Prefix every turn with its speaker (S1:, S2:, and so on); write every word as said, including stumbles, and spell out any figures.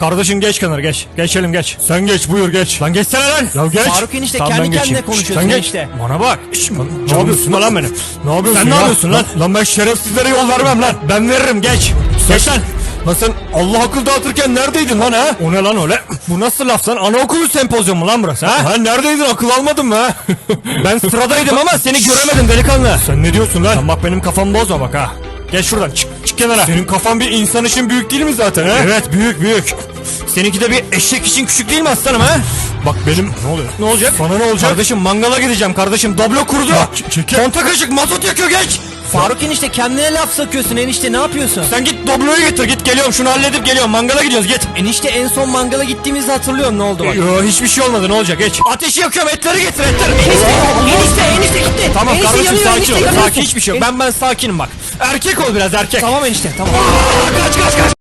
S1: Kardeşim geç kenara geç. Geçelim geç. Sen geç buyur geç. Lan geçsene lan. Ya geç.
S2: Faruk enişte
S1: Tamam,
S2: kendi
S1: ben
S2: kendine
S1: geçeyim.
S2: konuşuyorsun
S1: Sen geç.
S2: enişte.
S1: Bana bak. Şş, ne yapıyorsun lan benim? Ne yapıyorsun Sen ya? ne yapıyorsun lan? Lan ben şerefsizlere yol vermem lan. Ben veririm geç. Geç lan. Lan sen Allah akıl dağıtırken neredeydin lan ha? O ne lan öyle? Bu nasıl laf lan? Anaokulu sempozyumu lan burası ha? Ha neredeydin akıl almadın mı ha? Ben sıradaydım ama seni göremedim delikanlı. Sen ne diyorsun lan? Lan bak benim kafamı bozma bak ha. Geç şuradan çık, çık kenara. Senin kafan bir insan için büyük değil mi zaten ha? Evet büyük büyük. Seninki de bir eşek için küçük değil mi aslanım ha? Bak benim ne oluyor? Ne olacak? Bana ne olacak? Kardeşim mangala gideceğim kardeşim. Doblo kurudu. Konta kaşık mazot yakıyor geç.
S2: Faruk enişte kendine laf sakıyorsun enişte, ne yapıyorsun?
S1: Sen git Doblo'yu getir git, geliyorum şunu halledip geliyorum, mangala gidiyoruz git.
S2: Enişte en son mangala gittiğimizde hatırlıyorum, ne oldu bak.
S1: Yo hiçbir şey olmadı, ne olacak geç. Ateşi yakıyorum, etleri getir etleri.
S2: Enişte, enişte, enişte gitti.
S1: Tamam
S2: enişte
S1: kardeşim
S2: yanıyor,
S1: sakin
S2: enişte
S1: ol.
S2: yanıyorsun.
S1: Sakin hiçbir şey yok. Ben ben sakinim bak. Erkek ol biraz erkek.
S2: Tamam enişte tamam.
S1: Aa, kaç kaç kaç.